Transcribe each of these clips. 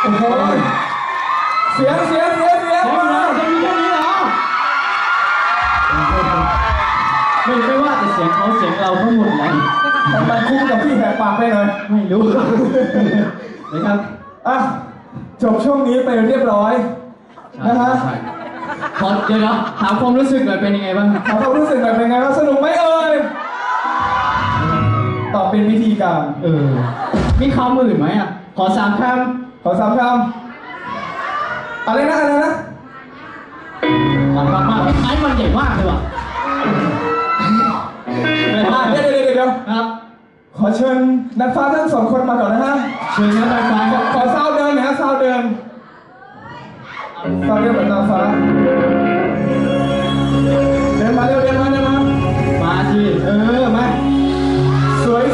โอ้โหเสียงมาจะมีแค่นี้เหรอไม่ว่าแต่เสียงเขาเสียงเราทั้งหมดเลยมันคุ้มกับพี่แหกปากไปหน่อยไม่รู้นะครับอ่ะจบช่วงนี้ไปเรียบร้อยนะฮะขอเดี๋ยวถามความรู้สึกหน่อยเป็นยังไงบ้างถามความรู้สึกหน่อยเป็นไงบ้างสนุกไหมเอ่ยตอบเป็นวิธีการมีคำอื่นไหมอ่ะขอ3 คำอะไรนะมันมากไอ้มันใหญ่มากเลยว่ะเดี๋ยวครับขอเชิญนักฟ้าทั้ง2 คนมาก่อนนะฮะเชิญนักฟ้าขอซาวเดินนะฮะซาวเดินเหมือนนางฟ้าเดินมาเร็วมาสิมาสวย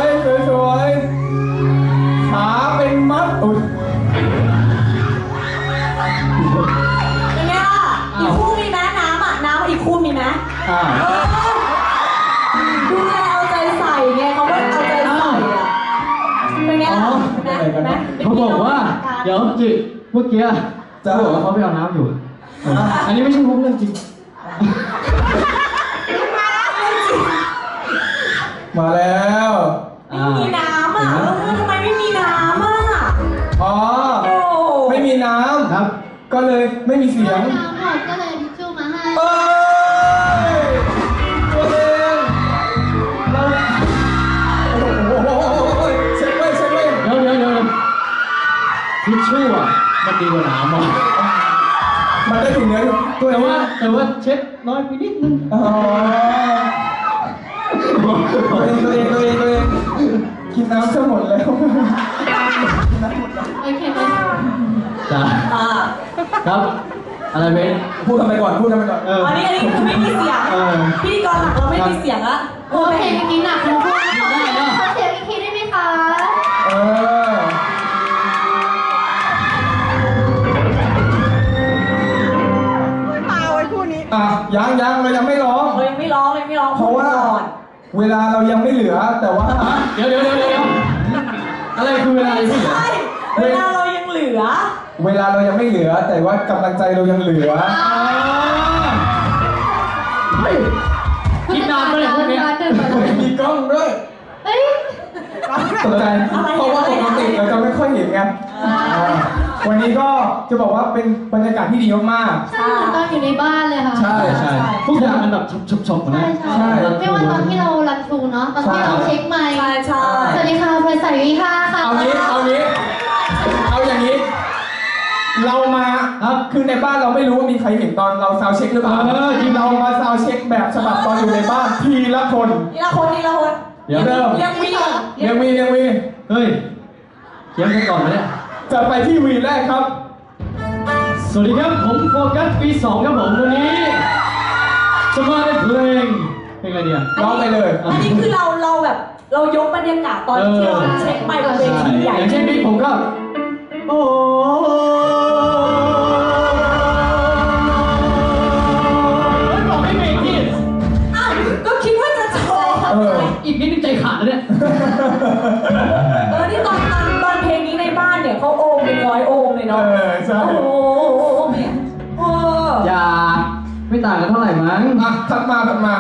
ขาเป็นมัดอุ้ยเป็นไงล่ะอีกคู่มีไหมน้ำอีกคู่มีไหมดูแลเอาใจใส่ไงเขาว่าเอาใจใส่อะเป็นไงล่ะเขาบอกว่าเดี๋ยวจิเมื่อกี้จะบอกว่าเขาไปเอาน้ำอยู่อันนี้ไม่ใช่มุกเรื่องจริงมาแล้วไม่มีน้ำอ่ะทำไมไม่มีน้ำอ่ะไม่มีน้ำครับก็เลยไม่มีเสียงน้ำหมดก็เลยทิชชู่มาให้ตัวเองเราเช็คไว้เดี๋ยวทิชชู่อ่ะมันดีกว่าน้ำอ่ะมันได้ถึงเนื้อแต่ว่าเช็ดน้อยไปนิดนึงตัวเองกินน้ำจะหมดแล้วโอเคไหมจ้าครับอะไรเบนพูดทำไมก่อนอันนี้คือไม่มีเสียงพิธีกรหลักเราไม่มีเสียงอะโอเคเมื่อกี้หนักทั้งคู่ขอเสียงอีกทีได้ไหมคะยังเรายังไม่ร้องเพราะว่าเวลาเรายังไม่เหลือแต่ว่าเดี๋ยวอะไรคือเวลายังไม่เหลือเวลาเรายังเหลือเวลาเรายังไม่เหลือแต่ว่ากำลังใจเรายังเหลือคิดนานเลยพวกนี้มีกล้องด้วยตกใจเพราะว่าปกติเราจะไม่ค่อยเห็นไงวันนี้ก็จะบอกว่าเป็นบรรยากาศที่ดีมากๆใช่ตอนอยู่ในบ้านเลยค่ะใช่ทุกอย่างมันแบบชบๆนะใช่ไม่ว่าตอนที่เรารันทรูเนาะตอนที่เราเช็คไมค์ใช่สวัสดีค่ะเพลใส่วิค่ะเอาอย่างนี้เรามาคือในบ้านเราไม่รู้ว่ามีใครเห็นตอนเราซาวเช็คหรือเปล่าที่เรามาซาวเช็คแบบฉบับตอนอยู่ในบ้านทีละคนยังมีเฮ้ยเขียนกันก่อนไหมเนี่ยจะไปที่วีแรกครับสวัสดีครับผมโฟกัสปี 2ครับผมวันนี้จะมาในเพลงอะไรเนี่ยร้องไปเลยอันนี้คือเราแบบเรายกบรรยากาศตอนที่เราเช็คไปบนเวทีใหญ่อย่างเช่นนี้ผมก็โอ้บอกไม่เบรกที่ก็คิดว่าจะโชว์อีกนิดนึงใจขาดแล้วเนี่ยนี่ตอนเพลงนี้ในบ้านเนี่ยเขาโอมเป็น100 โอมเลยเนาะใช่โอ้เนี่ยอย่าไม่ต่างกันเท่าไหร่มั้งถัดมา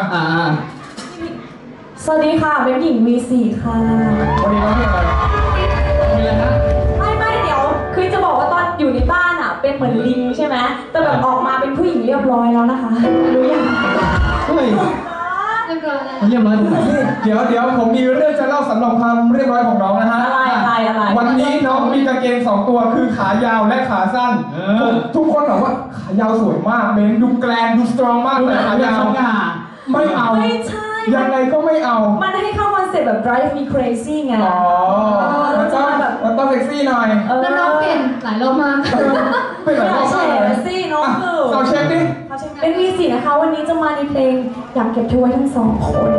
สวัสดีค่ะเป็นหญิงV4ค่ะวันนี้ร้องเพลงอะไรฮะไม่เดี๋ยวคือจะบอกว่าตอนอยู่ในบ้านอ่ะเป็นเหมือนลิงใช่ไหมแต่แบบออกมาเป็นผู้หญิงเรียบร้อยแล้วนะคะรู้ยังเฮ้ยเรียบร้อยตรงไหนเดี๋ยวผมมีเรื่องจะเล่าสำหรับความเรียบร้อยของน้องนะฮะอะไรวันนี้น้องมีกางเกง2 ตัวคือขายาวและขาสั้นทุกคนบอกว่าขายาวสวยมากเมนดูแกรนดูสตรองมากแต่ขายาวไม่เอาไม่ใช่ยังไงก็ไม่เอามันให้เข้าคอนเซ็ปต์แบบ drive me crazy ไงมันต้องเซ็กซี่หน่อยแล้วน้องเปลี่ยนหลายรอบมากเป็นหลายรอบเลยซี่น้องคือเราเช็คดิเป็น V4นะคะวันนี้จะมาในเพลงอยากเก็บเธอไว้ทั้ง2 คน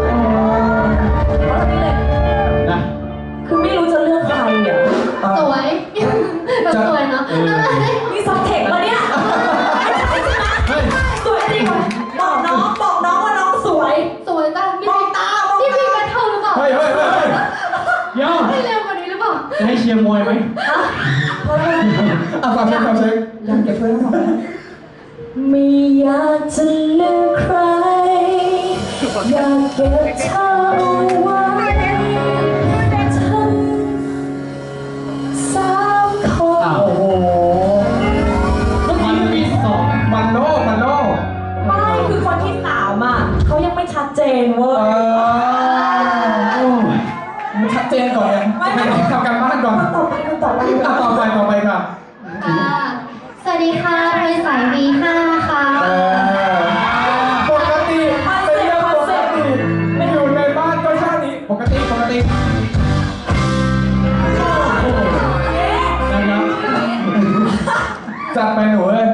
คือไม่รู้จะเลือกใครอ่ะสวยสวยเนาะมีซับเทคแล้วเนี่ยสวยจริงบอกน้องว่าน้องสวยจ้ามองตาพี่แบทเทิลหรือเปล่าเฮ้ยเดี๋ยวให้เร็วกว่านี้หรือเปล่าจะให้เชียร์มวยอยไหมอ่ะฟังเช็คฟังเช็คยังเก็บเพื่อนของไม่อยากจะลืมใคร อยากเก็บเธอเอาไว้ทั้ง3 คนอ้าวโอ้โหมันมีสองมันโลกไม่คือคนที่3อ่ะเขายังไม่ชัดเจนเว้เอย อมันชัดเจนก่อนไงไม่ต้องทำการบ้านก่อนคนต่อไปอ่ะต่อไปค่ะสวัสดีค่ะบริษัท V5 นะคะปกติเป็นเรื่องปกติอยู่ในบ้านก็ชาตินี้ปกตินะครับจัดไปหนูเอ้ย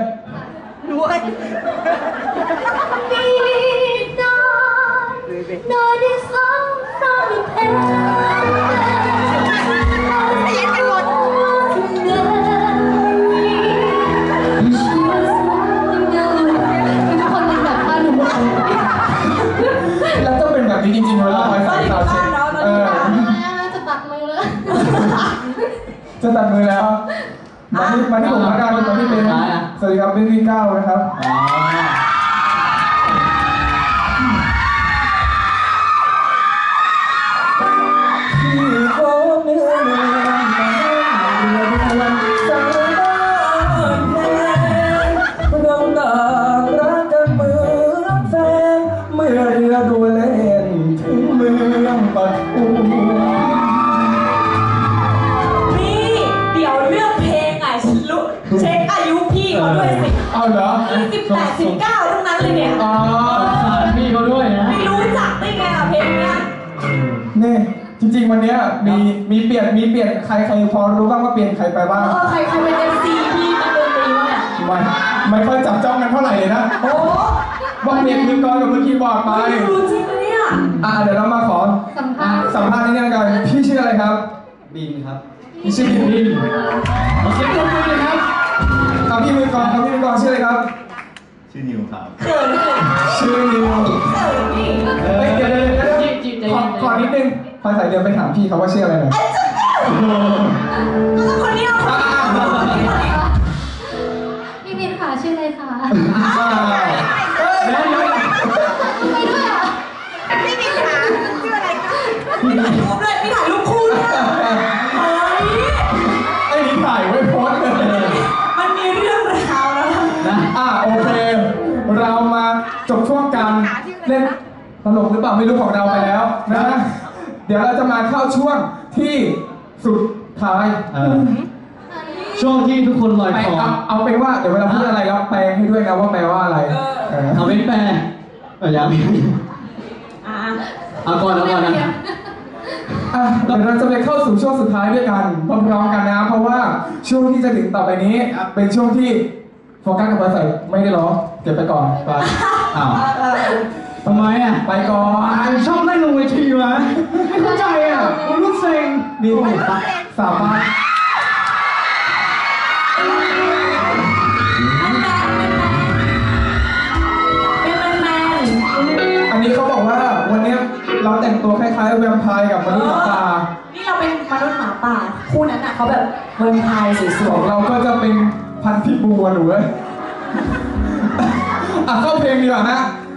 แล้วต้องเป็นแบบนี้จริงๆเวลาไปใส่ซาวเช็คจะตักมือเลยจะตัดมือแล้วมาที่ผมละกันมาที่เป็นสวัสดีครับเป็นวีเก้านะครับอ๋อที่โค้งเนื้อเรือวันสายบ้านแพงเราต่างรักกันเหมือนแฟนเมื่อเรือดูเล่นถึงเมืองปทุมนี่เดี๋ยวเรื่องเพลงอ่ะฉันรู้เช็คอายุพี่เขาด้วยสิเอาเหรอ 18 19ทั้งนั้นเลยเนี่ยอ๋อสารพี่เขาด้วยนะไม่รู้จักได้ไงอ่ะเพลงเนี้ยนี่จริงๆวันเนี้ยมีเปลี่ยนใครพอรู้บ้างว่าเปลี่ยนใครไปบ้างใครเป็น MC พี่นักดนตรีวะเนี่ยไม่ค่อยจับจ้องกันเท่าไหร่เลยนะโอ้ว่าเปลี่ยนมือกลองกับมือคีย์บอร์ดไปไม่รู้จริงปะเนี่ยเดี๋ยวเรามาขอสัมภาษณ์สัมภาษณ์นิดนึงกันพี่ชื่ออะไรครับบินครับพี่ชื่อบินบินขอเสียงปรบมือเลยครับพี่มือกลองชื่ออะไรครับชื่อนิวครับเขินเลยชื่อนิวเขินนี่เฮ้ยเดี๋ยวขอนิดนึงพอใส่เดือนไปถามพี่เขาว่าชื่ออะไรหน่อยแล้วคนนี้เอาคนนี้พี่บินค่ะชื่ออะไรคะเฮ้ยเดี๋ยวไปด้วยอ่ะพี่มีขาชื่ออะไรคะพี่ถ่ายรูปด้วยพี่ถ่ายรูปคู่ด้วยเฮ้ยไอ้นี่ถ่ายไว้โพสต์เลยมันมีเรื่องราวแล้วนะโอเค เรามาจบช่วงการเล่นตลกหรือเปล่าไม่รู้ของเราไปแล้วนะเดี๋ยวเราจะมาเข้าช่วงที่สุดท้ายช่วงที่ทุกคนลอยไปคอเอาเป็นว่าเดี๋ยวเวลาพูดอะไรแล้วแปลให้ด้วยนะว่าแปลว่าอะไรเออเอาเป็นแปรยังอ่ะเอาก่อนนะเดี๋ยวเราจะไปเข้าสู่ช่วงสุดท้ายด้วยกันพร้อมๆกันนะเพราะว่าช่วงที่จะถึงต่อไปนี้เป็นช่วงที่โฟกัสกับเบอร์ใส่ไม่ได้ร้องเก็บไปก่อนไปอ้าวทำไมอ่ะไปก่อนชอบเล่นลงเวทีวะไม่เข้าใจอ่ะมันรู้เซ็งนี่สามารถ อันนี้เขาบอกว่าวันนี้เราแต่งตัวคล้ายๆแวมไพร์กับมนุษย์หมาป่านี่เราเป็นมนุษย์หมาป่าคู่นั้นอ่ะเขาแบบเมืองไทยสวขอย งเราก็จะเป็นพันธุ์พิษบูอะหนูเอ้ยเข้าเพลงดีกว่านะ